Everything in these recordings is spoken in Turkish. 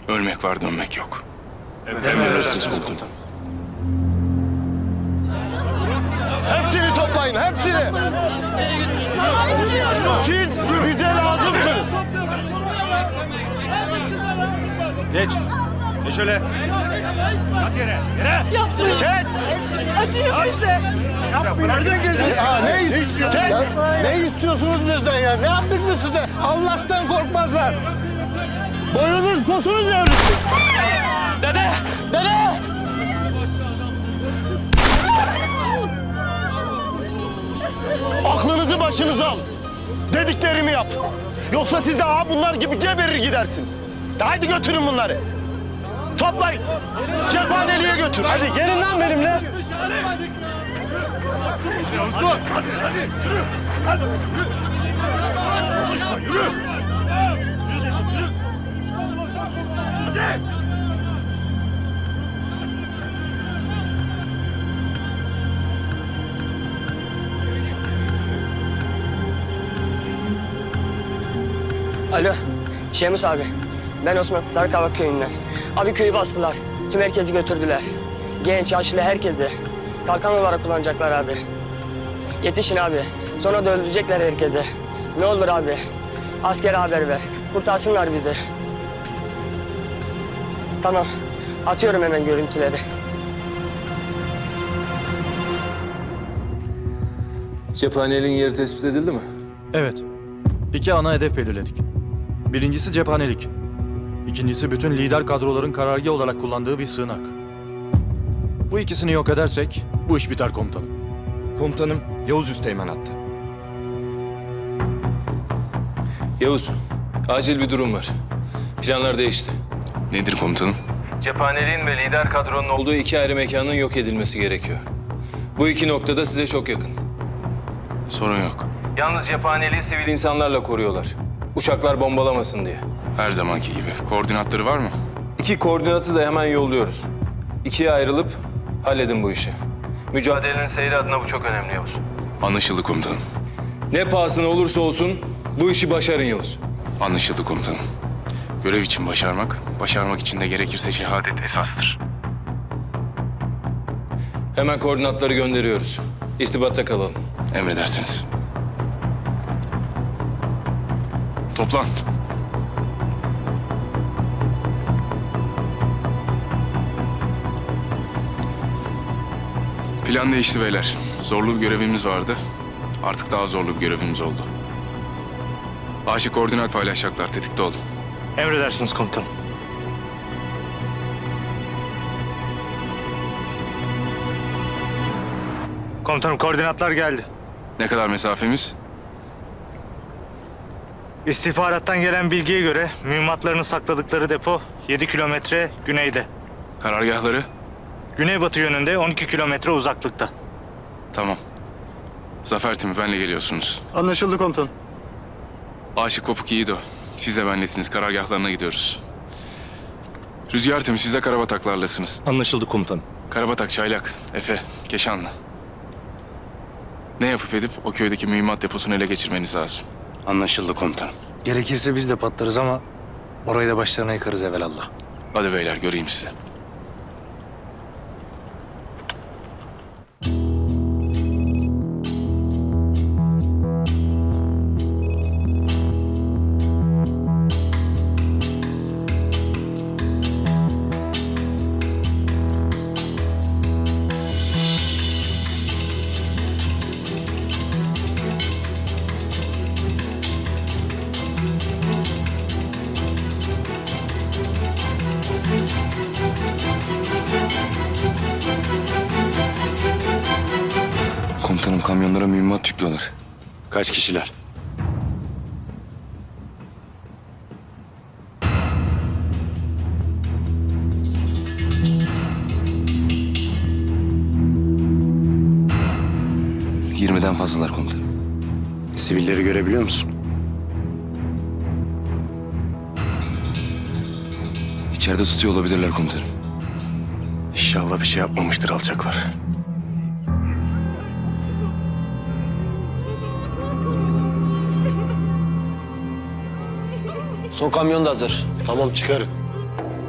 Ölmek var, dönmek yok. Emredersiniz komutanım. Hepsini toplayın, hepsini. Siz bize lazımsınız. Geç. Geç şöyle. At yere. Yere. Kes. Acıyor bize. Nereden geldiniz? Ne istiyorsunuz? Ne istiyorsunuz bizden ya? Ne yaptık biz size? Allah'tan korkmazlar. Boyunuz posunuz devrilsin. Dede! Dede! Aklınızı başınıza al. Dediklerimi yap. Yoksa siz de bunlar gibi geberir gidersiniz. Hadi götürün bunları. Toplayın. Cephaneliğe götür. Hadi gelin lan benimle. Yavuzlar. Hadi. Yürü. Hadi. Yürü. Yürü. Hadi. Alo, Şemus abi. Ben Osman, Sarıkavak köyünden. Abi köyü bastılar. Tüm herkesi götürdüler. Genç, yaşlı herkesi. Kalkan olarak kullanacaklar abi. Yetişin abi. Sonra da öldürecekler herkese. Ne olur abi. Askere haber ver. Kurtarsınlar bizi. Tamam. Atıyorum hemen görüntüleri. Cephaneliğin yeri tespit edildi mi? Evet. 2 ana hedef belirledik. Birincisi cephanelik. İkincisi bütün lider kadroların karargah olarak kullandığı bir sığınak. Bu ikisini yok edersek bu iş biter komutanım. Komutanım, Yavuz Üsteğmen hatta. Yavuz, acil bir durum var. Planlar değişti. Nedir komutanım? Cephaneliğin ve lider kadronun olduğu 2 ayrı mekanın yok edilmesi gerekiyor. Bu 2 noktada size çok yakın. Sorun yok. Yalnız cephaneliği sivil insanlarla koruyorlar. Uçaklar bombalamasın diye. Her zamanki gibi. Koordinatları var mı? 2 koordinatı da hemen yolluyoruz. 2'ye ayrılıp halledin bu işi. Mücadelenin seyri adına bu çok önemli Yavuz. Anlaşıldı komutanım. Ne pahasına olursa olsun bu işi başarın Yavuz. Anlaşıldı komutanım. Görev için başarmak için de gerekirse şehadet esastır. Hemen koordinatları gönderiyoruz. İrtibatta kalalım. Emredersiniz. Toplan. Plan değişti beyler. Zorlu bir görevimiz vardı. Artık daha zorlu bir görevimiz oldu. Aşık koordinat paylaşacaklar. Tetikte olun. Emredersiniz komutanım. Komutanım koordinatlar geldi. Ne kadar mesafemiz? İstihbarattan gelen bilgiye göre mühimmatlarını sakladıkları depo 7 kilometre güneyde. Karargahları? Güneybatı yönünde 12 kilometre uzaklıkta. Tamam. Zafer timi benle geliyorsunuz. Anlaşıldı komutanım. Aşık Kopuk Yiğido. Siz de benlesiniz. Karargahlarına gidiyoruz. Rüzgar timi siz de Karabataklarlasınız. Anlaşıldı komutanım. Karabatak, Çaylak, Efe, Keşanlı. Ne yapıp edip o köydeki mühimmat deposunu ele geçirmeniz lazım. Anlaşıldı komutanım. Gerekirse biz de patlarız ama orayı da başlarına yıkarız evelallah. Hadi beyler göreyim sizi. Komutanım kamyonlara mühimmat yüklüyorlar. Kaç kişiler? ...20'den fazlalar komutanım. Sivilleri görebiliyor musun? İçeride tutuyor olabilirler komutanım. İnşallah bir şey yapmamıştır alçaklar. Son kamyon da hazır. Tamam çıkarın.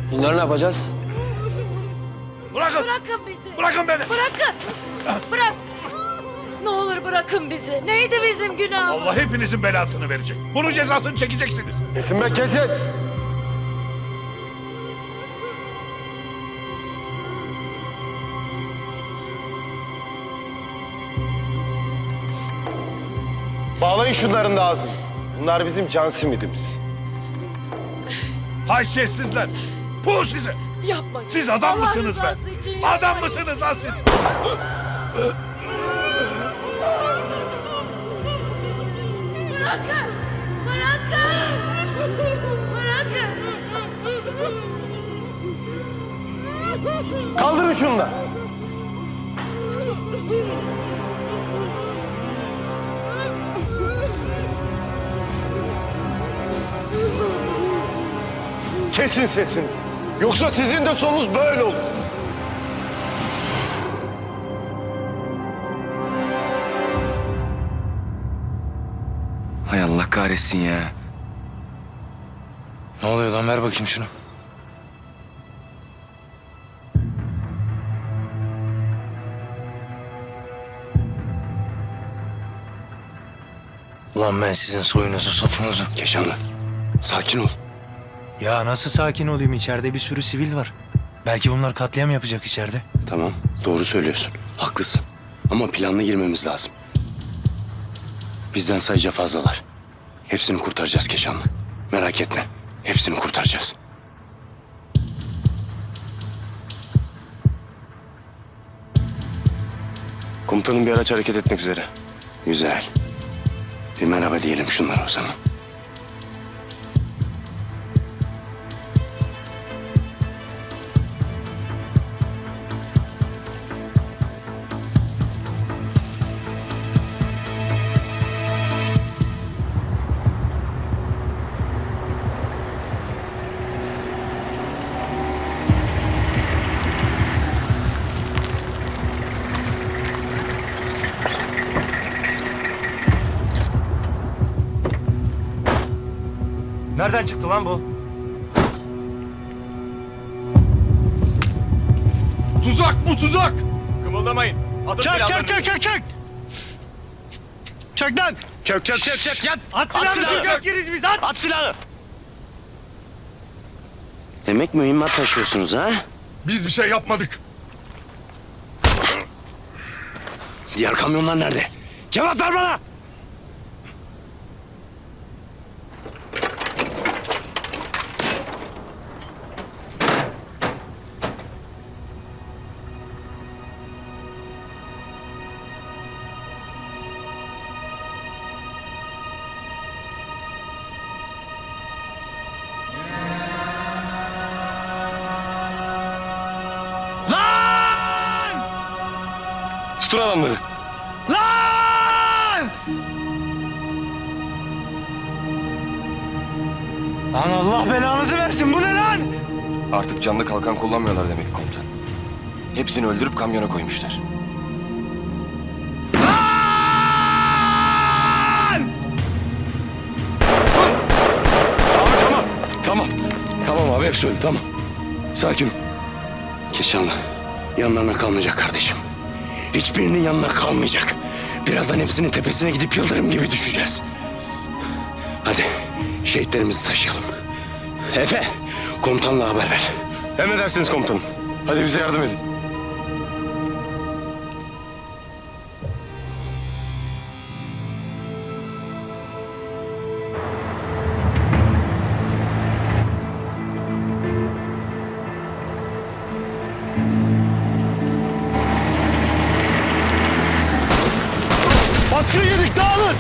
Bunları ne yapacağız? Bırakın bizi. Bırakın beni. Bırakın. Bırak. Ne olur bırakın bizi. Neydi bizim günahımız? Allah hepinizin belasını verecek. Bunun cezasını çekeceksiniz. Kesin be kesin. Bağlayın şunların da ağzını. Bunlar bizim can simidimiz. Haysiyetsizler. Puh size. Yapmayın. Siz adam Allah mısınız be? rızası için Adam yapmayın. mısınız lan siz? Bırakın. Bırakın. Bırakın. Kaldırın şunu da. Kesin sesinizi. Yoksa sizin de sonunuz böyle olur. Hay Allah kahretsin ya. Ne oluyor lan, ver bakayım şunu. Ulan ben sizin soyunuzu sopunuzu. Keşanlı. Sakin ol. Ya nasıl sakin olayım, içeride bir sürü sivil var. Belki bunlar katliam yapacak içeride. Tamam, doğru söylüyorsun. Haklısın. Ama planlı girmemiz lazım. Bizden sayıca fazlalar. Hepsini kurtaracağız Keşanlı. Merak etme. Hepsini kurtaracağız. Komutanım bir araç hareket etmek üzere. Güzel. Bir merhaba diyelim şunlara o zaman. Nereden çıktı lan bu? Tuzak bu tuzak. Kımıldamayın. Çök çök çök çök çök. Çök lan. Çök çök çök çök. At silahını. At silahını. Biz at. At silahını. Demek mühimmat taşıyorsunuz ha? Biz bir şey yapmadık. Diğer kamyonlar nerede? Cevap ver bana! Tutun adamları. Lan! Lan Allah belanızı versin. Bu ne lan? Artık canlı kalkan kullanmıyorlar demek komutan. Hepsini öldürüp kamyona koymuşlar. Tamam. Tamam abi hep söyle tamam. Sakin ol. Keşanlı yanlarına kalmayacak kardeşim. Hiçbirinin yanına kalmayacak. Birazdan hepsinin tepesine gidip yıldırım gibi düşeceğiz. Hadi şehitlerimizi taşıyalım. Efe komutanla haber ver. Emredersiniz komutanım. Hadi bize yardım edin. Baskın yedik. Dağılın.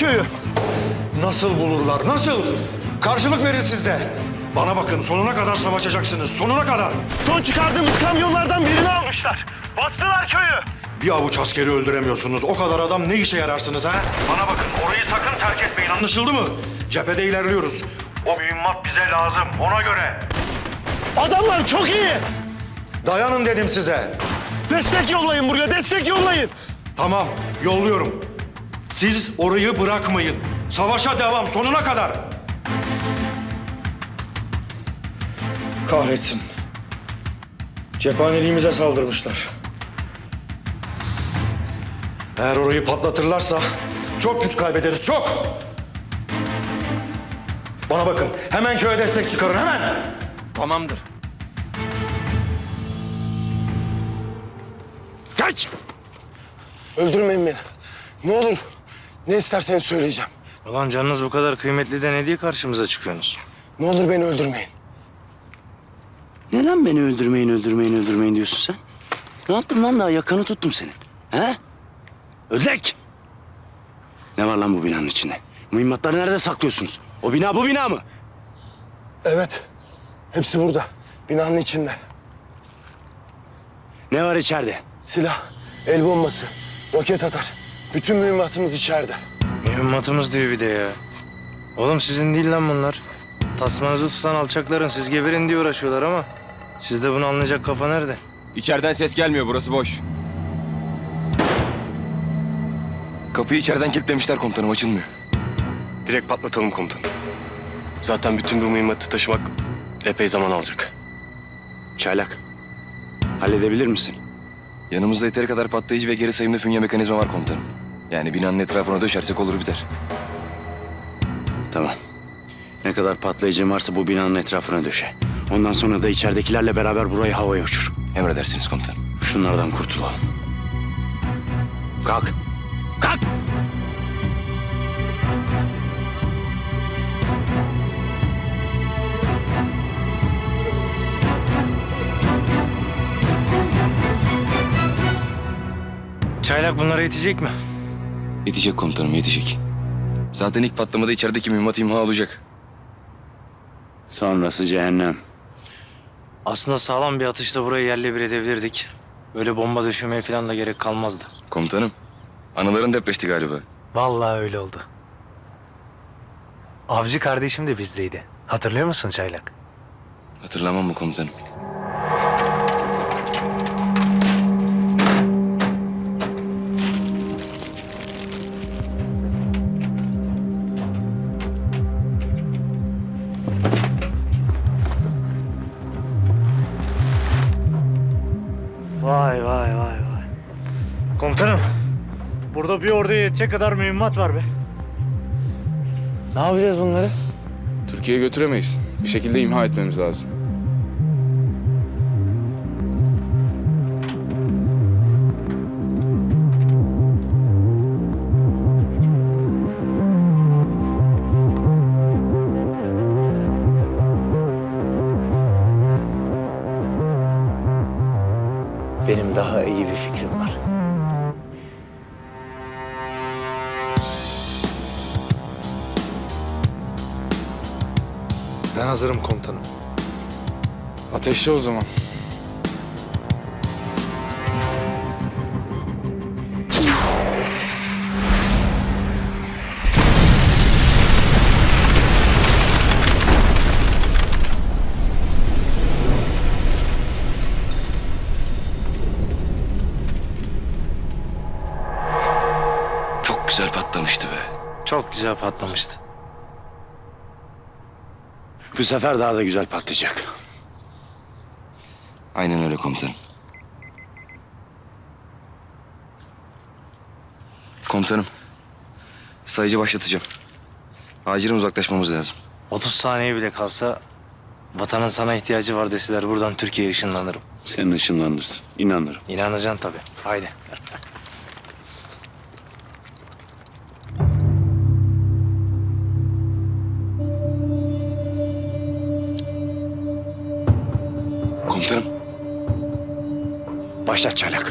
köyü. Nasıl bulurlar? Nasıl? Karşılık verin siz de. Bana bakın sonuna kadar savaşacaksınız. Sonuna kadar. Son çıkardığımız kamyonlardan birini almışlar. Bastılar köyü. Bir avuç askeri öldüremiyorsunuz. O kadar adam ne işe yararsınız ha? Bana bakın orayı sakın terk etmeyin. Anlaşıldı mı? Cephede ilerliyoruz. O mühimmat bize lazım. Ona göre. Adamlar çok iyi. Dayanın dedim size. Destek yollayın buraya, destek yollayın. Tamam, yolluyorum. Siz orayı bırakmayın. Savaşa devam, sonuna kadar. Kahretsin. Cephaneliğimize saldırmışlar. Eğer orayı patlatırlarsa çok güç kaybederiz, çok. Bana bakın, hemen köye destek çıkarın, hemen. Tamamdır. Kaç! Öldürmeyin beni. Ne olur, ne isterseniz söyleyeceğim. Ulan canınız bu kadar kıymetli de ne diye karşımıza çıkıyorsunuz? Ne olur beni öldürmeyin. Ne lan beni öldürmeyin diyorsun sen? Ne yaptım lan daha yakanı tuttum senin. He? Ödlek! Ne var lan bu binanın içinde? Mühimmatları nerede saklıyorsunuz? O bina bu bina mı? Evet, hepsi burada. Binanın içinde. Ne var içeride? Silah, el bombası, roket atar. Bütün mühimmatımız içeride. Mühimmatımız diyor bir de ya. Oğlum sizin değil lan bunlar. Tasmanızı tutan alçakların siz geberin diye uğraşıyorlar ama... ...sizde bunu anlayacak kafa nerede? İçeriden ses gelmiyor, burası boş. Kapıyı içeriden kilitlemişler komutanım, açılmıyor. Direkt patlatalım komutanım. Zaten bütün bu mühimmatı taşımak epey zaman alacak. Çaylak, halledebilir misin? Yanımızda yeteri kadar patlayıcı ve geri sayımlı fünye mekanizma var komutanım. Yani binanın etrafına döşersek olur biter. Tamam. Ne kadar patlayıcı varsa bu binanın etrafına döşe. Ondan sonra da içeridekilerle beraber burayı havaya uçur. Emredersiniz komutanım. Şunlardan kurtulalım. Kalk. Kalk! Çaylak bunlara yetecek mi? Yetecek komutanım, yetecek. Zaten ilk patlamada içerideki mühimmat imha olacak. Sonrası cehennem. Aslında sağlam bir atışla burayı yerle bir edebilirdik. Böyle bomba düşürmeye falan da gerek kalmazdı. Komutanım, anıların depreşti galiba. Vallahi öyle oldu. Avcı kardeşim de bizdeydi. Hatırlıyor musun Çaylak? Hatırlamam mı komutanım? Vay vay vay vay. Komutanım, burada bir orduya yetecek kadar mühimmat var be. Ne yapacağız bunları? Türkiye'ye götüremeyiz. Bir şekilde imha etmemiz lazım. Benim daha iyi bir fikrim var. Ben hazırım komutanım. Ateşle o zaman. Çok güzel patlamıştı be. Çok güzel patlamıştı. Bu sefer daha da güzel patlayacak. Aynen öyle komutanım. Komutanım, sayıcı başlatacağım. Acilen uzaklaşmamız lazım. 30 saniye bile kalsa vatanın sana ihtiyacı var deseler buradan Türkiye'ye ışınlanırım. Sen ışınlanırsın. İnanırım. İnanacaksın tabii. Haydi. Komutanım, Başlat Çaylak.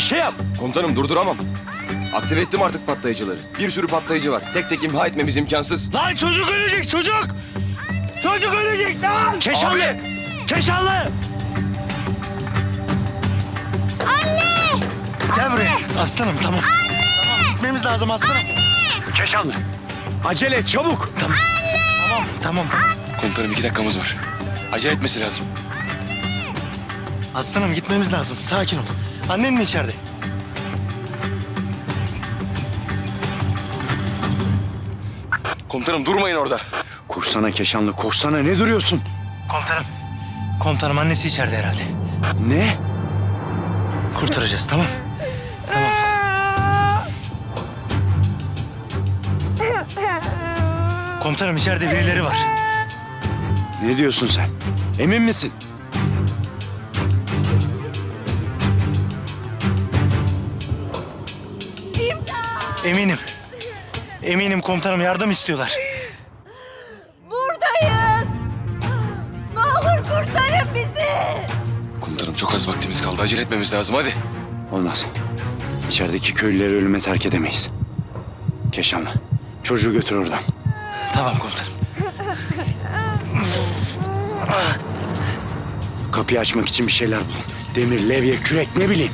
şey yap. Komutanım durduramam. Aktive ettim artık patlayıcıları. Bir sürü patlayıcı var. Tek tek imha etmemiz imkansız. Lan çocuk ölecek çocuk. Çocuk ölecek lan. Keşanlı. Keşanlı. Anne. Gel buraya. Aslanım tamam. Tamam gitmemiz lazım aslanım. Keşanlı. Acele et çabuk. Tamam. Tamam. Komutanım 2 dakikamız var. Acele etmesi lazım. Aslanım gitmemiz lazım. Sakin ol. Annenin içeride. Komutanım durmayın orada. Koşsana Keşanlı koşsana ne duruyorsun? Komutanım. Komutanım annesi içeride herhalde. Ne? Kurtaracağız tamam. Tamam. Komutanım içeride birileri var. Ne diyorsun sen? Emin misin? Eminim. Eminim komutanım yardım istiyorlar. Buradayız. Ne olur kurtarın bizi. Komutanım çok az vaktimiz kaldı. Acele etmemiz lazım hadi. Olmaz. İçerideki köylüleri ölüme terk edemeyiz. Keşanlı, çocuğu götür oradan. Tamam komutanım. Kapıyı açmak için bir şeyler bulun. Demir, levye, kürek ne bileyim.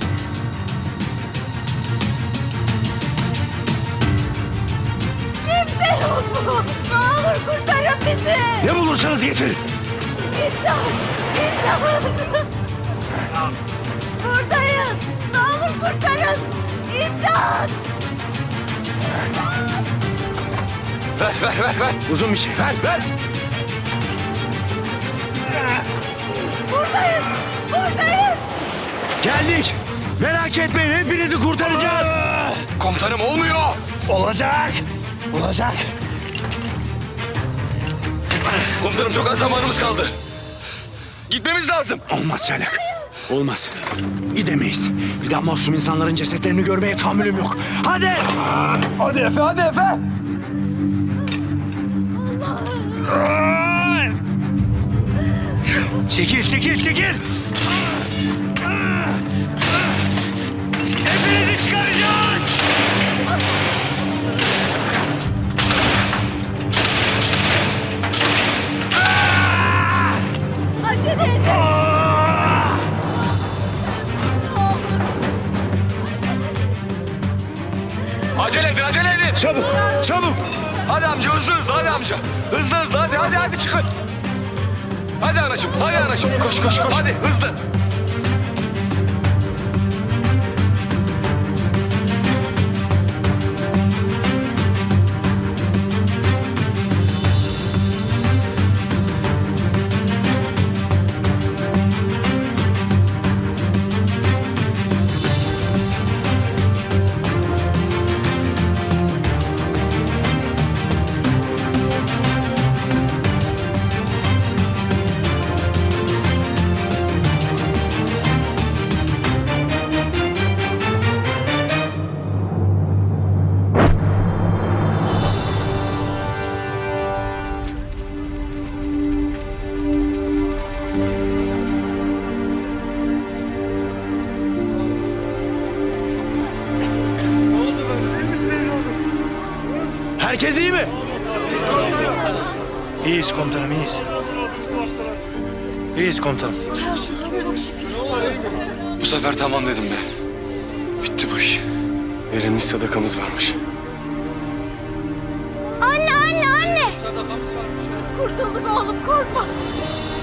Kimse yok mu? Ne olur kurtarın bizi. Ne bulursanız getirin. İmdat. İmdat. Buradayız. Ne olur kurtarın. İmdat. Ver. Uzun bir şey. Ver. Buradayız. Geldik. Merak etmeyin hepinizi kurtaracağız. Komutanım olmuyor. Olacak. Komutanım çok az zamanımız kaldı. Gitmemiz lazım. Olmaz Çaylak. Olmaz. Gidemeyiz. Bir daha masum insanların cesetlerini görmeye tahammülüm yok. Hadi. Hadi Efe. Çekil. Hepinizi çıkaracağız. Acele edin. Acele edin. Çabuk. Hadi amca hızlı hadi amca. Hızlı hadi çıkın. Hadi anacığım. Koş. Hadi hızlı. Herkes iyi mi? İyiyiz komutanım, iyiyiz. İyiyiz komutanım. Bu sefer tamam dedim be. Bitti bu iş. Verilmiş sadakamız varmış. Anne. Kurtulduk oğlum korkma.